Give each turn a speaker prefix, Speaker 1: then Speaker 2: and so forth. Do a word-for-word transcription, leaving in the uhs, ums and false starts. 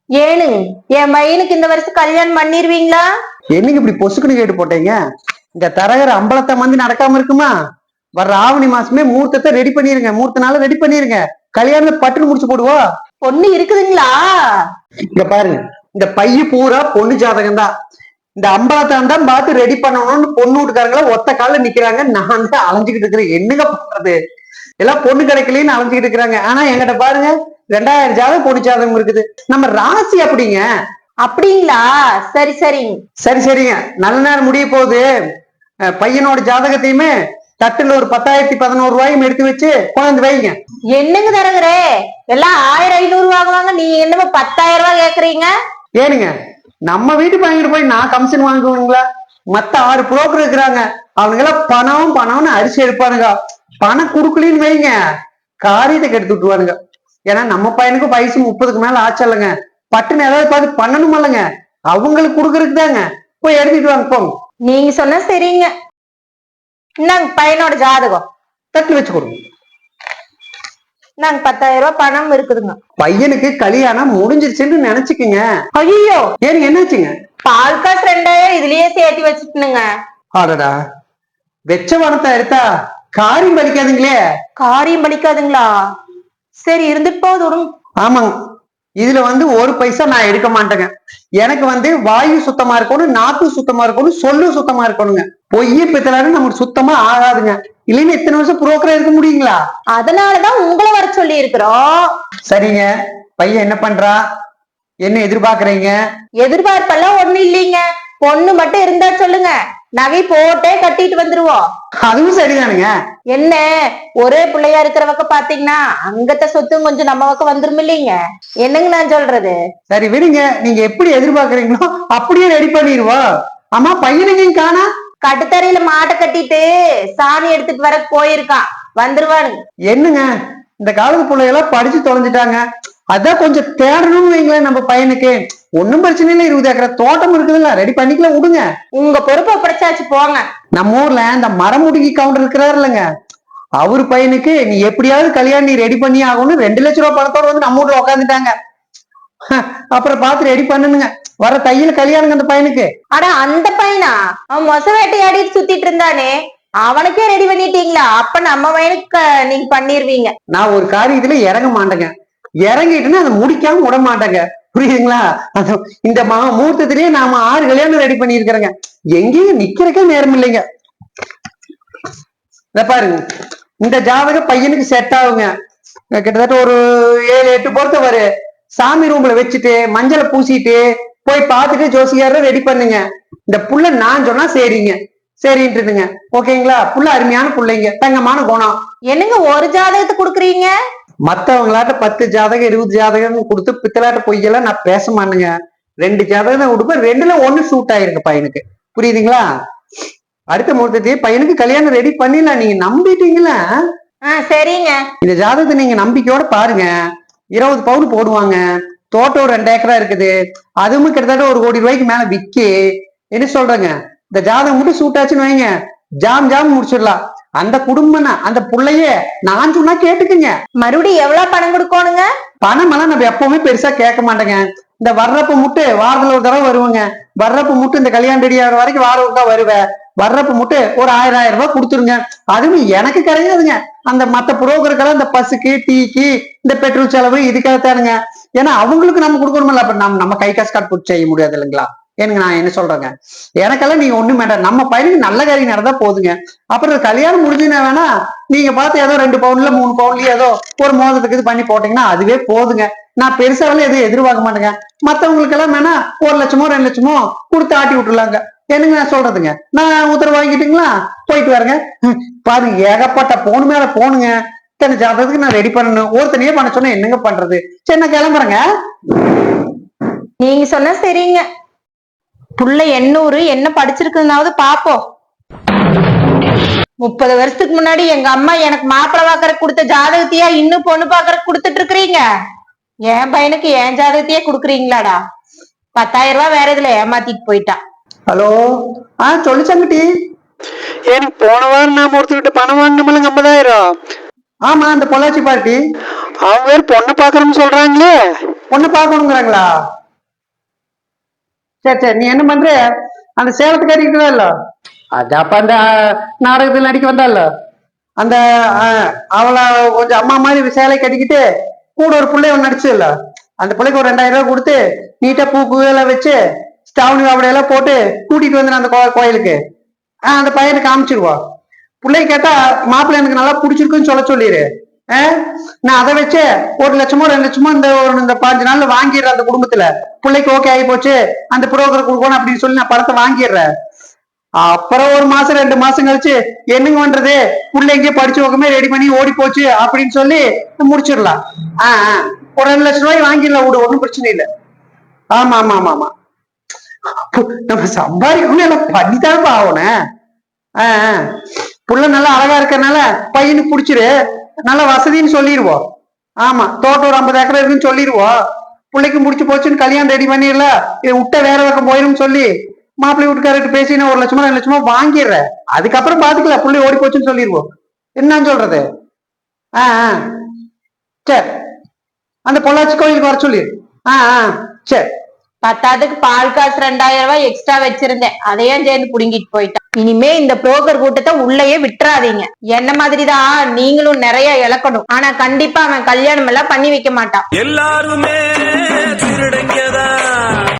Speaker 1: ஏனு என் பையனுக்கு இந்த வருஷம் கல்யாணம் பண்ணிருவீங்களா?
Speaker 2: என்னைக்கு இப்படி பொசுக்குன்னு கேட்டு போட்டீங்க? இந்த தரகர் அம்பலத்தை மந்தி நடக்காம இருக்குமா? வர்ற ஆவணி மாசமே மூர்த்தத்தை ரெடி பண்ணிருங்க. மூர்த்த நாள ரெடி பண்ணிருங்க. கல்யாணம் பட்டுன்னு முடிச்சு போடுவோம்.
Speaker 1: பொண்ணு இருக்குதுங்களா?
Speaker 2: இங்க பாருங்க, இந்த பைய பூரா பொண்ணு ஜாதகம் தான். இந்த அம்பலத்தான் தான் பார்த்து ரெடி பண்ணணும்னு பொண்ணு வீட்டுக்காரங்கள ஒத்த கால நிக்கிறாங்க. நான் தான் அலைஞ்சுக்கிட்டு இருக்கிறேன். என்னங்க பண்றது? எல்லாம் பொண்ணு கிடைக்கலன்னு அலைஞ்சுக்கிட்டு இருக்கிறாங்க. ஆனா என்கிட்ட பாருங்க, ரெண்டாயிரம் ஜாதகம் பொண்ணு ஜாதகம் இருக்குது. நம்ம ராசி அப்படிங்க.
Speaker 1: அப்படிங்களா? சரி சரிங்க.
Speaker 2: சரி சரிங்க, நல்ல நேரம் முடிய போகுது. பையனோட ஜாதகத்தையுமே தட்டுல ஒரு பத்தாயிரத்தி பதினோரு ரூபாயும் எடுத்து வச்சு குழந்தை வைங்க.
Speaker 1: என்னங்க தரகரே, எல்லாம் ஆயிரம் ஐநூறு வாங்குவாங்க, நீங்க என்னமோ பத்தாயிரம் ரூபாய் கேக்குறீங்க?
Speaker 2: ஏனுங்க, நம்ம வீட்டுக்கு வாங்கிட்டு போய் நான் கமிஷன் வாங்குவீங்களா? மத்த ஆறு புரோக்கர் இருக்கிறாங்க, அவங்க எல்லாம் பணம் பணம்னு அரிசி எடுப்பானுங்க. பணம் குடுக்கலின்னு வைங்க, காரியத்தை கெடுத்து விட்டுருவானுங்க. ஏன்னா நம்ம பையனுக்கு வயசு முப்பதுக்கு மேல ஆச்சல்லங்க. பட்டுன்னு ஏதாவது பார்த்து பண்ணணும் இல்லைங்க, அவங்களுக்கு கொடுக்கறதுக்கு தாங்க. போய் எடுத்துட்டு வாங்க போங்க.
Speaker 1: நீங்க சொன்ன சரிங்க. இந்தாங்க பையனோட ஜாதகம்.
Speaker 2: தட்டு வச்சு கொடுங்க.
Speaker 1: நாங்க பத்தாயிரம் ரூபாய் பணம் இருக்குதுங்க.
Speaker 2: பையனுக்கு கல்யாணம் முடிஞ்சிருச்சுன்னு நினைச்சுக்குங்க.
Speaker 1: ஐயோ,
Speaker 2: ஏனுங்க என்னாச்சுங்க?
Speaker 1: பால் காசு ரெண்டாயிரம் இதுலயே சேர்த்து வச்சுட்டுனுங்க.
Speaker 2: ஆடடா, வெச்ச பணத்தை எடுத்தா காரியம் பலிக்காதுங்களே.
Speaker 1: காரியம் பலிக்காதுங்களா? சரி, இருந்துட்டு போகுது விடுங்க.
Speaker 2: ஆமாங்க, இதுல வந்து ஒரு பைசா நான் எடுக்க மாட்டேங்க. எனக்கு வந்து வாயு சுத்தமா இருக்கணும், நாக்கு சுத்தமா இருக்கணும், சொல்லு சுத்தமா இருக்கணுங்க. பொய்ய பித்தலாரு நமக்கு சுத்தமா ஆகாதுங்க. இல்லைன்னு எத்தனை வருஷம் புரோக்கரா இருக்க முடியுங்களா?
Speaker 1: அதனாலதான் உங்களை வர சொல்லி இருக்கிறோம்.
Speaker 2: சரிங்க, பையன் என்ன பண்றா, என்ன எதிர்பார்க்கறீங்க?
Speaker 1: எதிர்பார்ப்பெல்லாம் ஒண்ணு இல்லைங்க, பொண்ணு மட்டும் இருந்தா சொல்லுங்க, நகை போட்டே கட்டிட்டு வந்துருவோம்.
Speaker 2: அதுவும் சரிதானுங்க.
Speaker 1: என்ன, ஒரே பிள்ளையா இருக்கிற பக்கம் பாத்தீங்கன்னா அங்கத்த சொத்தும் கொஞ்சம் நம்ம பக்கம் வந்துரும் இல்லைங்க. என்னங்க நான் சொல்றது?
Speaker 2: சரி விடுங்க, நீங்க எப்படி எதிர்பார்க்கறீங்களோ அப்படியே ரெடி பண்ணிடுவோம். ஆமா, பையனுங்க காணா?
Speaker 1: கட்டுத்தரையில மாட்டை கட்டிட்டு சாணி எடுத்துட்டு வர போயிருக்கான், வந்துருவானுங்க.
Speaker 2: என்னங்க, இந்த காலத்து பிள்ளைகளாம் படிச்சு தொலைஞ்சிட்டாங்க. அதான் கொஞ்சம் தேடணும்னு வைங்களேன் நம்ம பையனுக்கு. ஒன்னும் பிரச்சனை இல்லை, இருபது ஏக்கரை தோட்டம் இருக்குதுல்ல, ரெடி பண்ணிக்கலாம், விடுங்க.
Speaker 1: உங்க பொறுப்பை பிடிச்சாச்சு போங்க.
Speaker 2: நம்ம ஊர்ல இந்த மரமுடுக்கி கவுண்டர் இருக்கிறாரு இல்லைங்க, அவரு பையனுக்கு நீ எப்படியாவது கல்யாணம் நீ ரெடி பண்ணி ஆகணும், ரெண்டு லட்சம் ரூபாய் பணத்தோட வந்து நம்ம ஊர்ல உட்காந்துட்டாங்க. அப்புறம் பார்த்து ரெடி பண்ணுங்க, வர தையில கல்யாணங்க அந்த பையனுக்கு.
Speaker 1: ஆனா அந்த பையனா, அவன் மொச வேட்டையாடிட்டு சுத்திட்டு இருந்தானே, அவனுக்கே ரெடி பண்ணிட்டீங்களா? அப்ப நம்ம பையனுக்கு நீங்க பண்ணிருவீங்க.
Speaker 2: நான் ஒரு காரியத்துல இறங்க மாட்டேங்க, இறங்கிட்டுன்னு அதை முடிக்காம விட மாட்டேங்க, புரியுதுங்களா? இந்த மா முகூர்த்தத்திலேயே நாம ஆறு கல்யாணம் ரெடி பண்ணி இருக்கிறேங்க. எங்கேயும் நிக்கிறக்கே நேரம் இல்லைங்க. இத பாருங்க, இந்த ஜாதக பையனுக்கு செட் ஆகுங்க. கிட்டத்தட்ட ஒரு ஏழு எட்டு பொறுத்த வரு. சாமி ரூம்ல வச்சுட்டு மஞ்சளை பூசிட்டு போய் பார்த்துட்டு ஜோசியார ரெடி பண்ணுங்க. இந்த புள்ள நான் சொன்னா சரிங்க, சரின்ட்டுதுங்க. ஓகேங்களா? புள்ள அருமையான புள்ளைங்க, தங்கமான குணம்.
Speaker 1: என்னங்க ஒரு ஜாதகத்தை கொடுக்குறீங்க?
Speaker 2: மத்தவங்களாட்ட பத்து ஜாதகம் இருபது ஜாதகம் கொடுத்து பித்தலாட்ட பொய்யெல்லாம் நான் பேச மாட்டேங்க. ரெண்டு ஜாதகம் தான் கொடுப்பேன், ரெண்டுல ஒண்ணு சூட் ஆயிருக்கு பையனுக்கு, புரியுதுங்களா? அடுத்த முகூர்த்தத்தையே பையனுக்கு கல்யாணம் ரெடி பண்ணிடலாம், நீங்க நம்பிட்டீங்களா?
Speaker 1: சரிங்க,
Speaker 2: இந்த ஜாதகத்தை நீங்க நம்பிக்கையோட பாருங்க. இருபது பவுன் போடுவாங்க, தோட்டம் ரெண்டு ஏக்கரா இருக்குது, அதுவும் கிட்டத்தட்ட ஒரு கோடி ரூபாய்க்கு மேல விக்கி. என்ன சொல்றேங்க, இந்த ஜாதகம் மட்டும் சூட் ஆச்சுன்னு வைங்க, ஜாம் ஜாம் முடிச்சிடலாம். அந்த குடும்பம் அந்த புள்ளைய நான் சொன்னா கேட்டுக்குங்க.
Speaker 1: மறுபடியும் எவ்வளவு பணம் கொடுக்கணுங்க?
Speaker 2: பணம் எல்லாம் நம்ம எப்பவுமே பெருசா கேட்க மாட்டேங்க. இந்த வர்றப்ப முட்டு வாரத்துல ஒரு தடவை வருவாங்க, வர்றப்ப முட்டு இந்த கல்யாணம் ரெடி ஆகிற வரைக்கும் வாரம் ஒருக்கா வருவேன். வர்றப்ப முட்டு ஒரு ஆயிரம் ஆயிரம் ரூபாய் கொடுத்துருங்க. அதுவும் எனக்கு கிடையாதுங்க, அந்த மத்த புரோக்கருக்கெல்லாம் இந்த பஸ்ஸுக்கு டீக்கு இந்த பெட்ரோல் செலவு இதுக்காகத்தானுங்க. ஏன்னா அவங்களுக்கு நம்ம கொடுக்கணுமில்ல, அப்ப நம்ம நம்ம கை காசு காட்டு போட்டு செய்ய முடியாது இல்லைங்களா? எனக்கு நான் என்ன சொல்றேங்க, எனக்கெல்லாம் நீங்க ஒண்ணும் வேண்டாம், நம்ம பையனுக்கு நல்ல காரியம் நடந்தா போதுங்க. அப்புறம் கல்யாணம் முடிஞ்சுன்னா வேணா நீங்க பார்த்து ஏதோ ரெண்டு பவுன்ல மூணு பவுன்லயே ஏதோ ஒரு மோதத்துக்கு இது பண்ணி போட்டீங்கன்னா அதுவே போதுங்க. நான் பெருசாவெல்லாம் எதுவும் எதிர்பார்க்க மாட்டேங்க. மத்தவங்களுக்கு எல்லாம் வேணா ஒரு லட்சமோ ரெண்டு லட்சமோ கொடுத்து ஆட்டி விட்டுலாங்க. என்னங்க நான் சொல்றதுங்க, நான் உத்தரவு வாங்கிட்டீங்களா? போயிட்டு வரேங்க. பாருங்க, ஏகப்பட்ட போன் மேல போனுங்க. இத்தனை ஜாதகத்துக்கு நான் ரெடி பண்ணணும், ஒருத்தனையே பண்ண சொன்னா என்னங்க பண்றது? சரி நான் கிளம்புறேங்க.
Speaker 1: நீங்க சொன்ன சரிங்க. புள்ள எண்ணூறு என்ன படிச்சிருக்குதுனாவது பாப்போம். முப்பது வருஷத்துக்கு முன்னாடி எங்க அம்மா எனக்கு மாப்பிள்ளை பாக்குற கொடுத்த ஜாதகத்தையா இன்னும் பொண்ணு பாக்குற கொடுத்துட்டு இருக்கிறீங்க? என் பையனுக்கு என் ஜாதகத்தையே கொடுக்குறீங்களாடா? பத்தாயிரம் ரூபாய் வேற இதுல ஏமாத்திட்டு போயிட்டான்.
Speaker 2: ஹலோ, ஆ சொல்லு சங்கட்டி.
Speaker 3: எனக்கு போன வாரம் நான் ஒருத்தர்கிட்ட பணம் வாங்கினோம்ல ஐம்பதாயிரம்.
Speaker 2: ஆமா, அந்த பொள்ளாச்சி பார்ட்டி
Speaker 3: அவங்க வேற பொண்ணு பாக்குறோம்னு சொல்றாங்களே.
Speaker 2: பொண்ணு பார்க்கணுங்கிறாங்களா? சரி சரி, நீ என்ன பண்ற? அந்த சேலத்துக்கு அடிக்கிறதா இல்ல, அது அப்ப அந்த நாடகத்தில் நடிக்க வந்தால அந்த அஹ், அவளை கொஞ்சம் அம்மா மாதிரி சேலை கட்டிக்கிட்டு கூட ஒரு பிள்ளை ஒன்று நடிச்சு இல்ல, அந்த பிள்ளைக்கு ஒரு ரெண்டாயிரம் ரூபாய் கொடுத்து நீட்டா பூ பூவெல்லாம் வச்சு ஸ்டாவணி வாவடையெல்லாம் போட்டு கூட்டிட்டு வந்து அந்த கோ- கோயிலுக்கு ஆஹ் அந்த பையனை காமிச்சிருவோம். பிள்ளை கேட்டா மாப்பிள்ளை எனக்கு நல்லா பிடிச்சிருக்குன்னு சொல்ல சொல்லிடு. ஆஹ் நான் அதை வச்சு ஒரு லட்சமோ ரெண்டு லட்சமோ இந்த ஒரு இந்த பாஞ்சு நாள்ல வாங்கிடுறேன். அந்த குடும்பத்துல பிள்ளைக்கு ஓகே ஆகி போச்சு, அந்த புரோக்கர் கொடுக்கணும் அப்படின்னு சொல்லி நான் பணத்தை வாங்கிடுறேன். அப்புறம் ஒரு மாசம் ரெண்டு மாசம் கழிச்சு என்னங்க பண்றது, புள்ள எங்கேயோ படிச்சு வைக்கமே ரெடி பண்ணி ஓடி போச்சு அப்படின்னு சொல்லி முடிச்சிடலாம். ஆஹ் ஆஹ் ஒரு ரெண்டு லட்சம் ரூபாய் வாங்கிடலாம் விடு, ஒன்றும் பிரச்சனை இல்லை. ஆமா ஆமா ஆமா ஆமா, நம்ம சம்பாதிக்கணும் எல்லாம் பண்ணித்தானப்பா ஆகணும். ஆஹ் ஆஹ் புள்ள நல்லா அழகா இருக்கறனால பையனுக்கு பிடிச்சிரு, நல்ல வசதின்னு சொல்லிடுவோம். ஆமா, தோட்டம் ஒரு ஐம்பது ஏக்கர் இருக்குன்னு சொல்லிடுவோம். பிள்ளைக்கு முடிச்சு போச்சுன்னு கல்யாணம் ரெடி பண்ணிடல, இதை விட்ட வேற பக்கம் போயிடும் சொல்லி மாப்பிள்ளை வீட்டுக்காரர்கிட்ட பேசி நான் ஒரு லட்சமா ரெண்டு லட்சமா வாங்கிடுறேன். அதுக்கப்புறம் பாத்துக்கலாம், பிள்ளை ஓடி போச்சுன்னு சொல்லிடுவோம். என்னன்னு சொல்றது? ஆஹ் ஆஹ் சரி, அந்த பொள்ளாச்சி கோயிலுக்கு வர சொல்லி. ஆஹ் ஆஹ் சரி.
Speaker 1: பத்தாதுக்கு பால் காசு ரெண்டாயிரம் ரூபாய் எக்ஸ்ட்ரா வச்சிருந்தேன், அதையும் சேர்ந்து புடுங்கிட்டு போயிட்டான். இனிமே இந்த புரோக்கர் கூட்டத்தை உள்ளேயே விட்டுறாதீங்க. என்ன மாதிரிதான் நீங்களும் நிறைய இழக்கணும். ஆனா கண்டிப்பா அவன் கல்யாணம் எல்லாம் பண்ணி வைக்க மாட்டான்.
Speaker 4: எல்லாருமே திருடங்கதான்.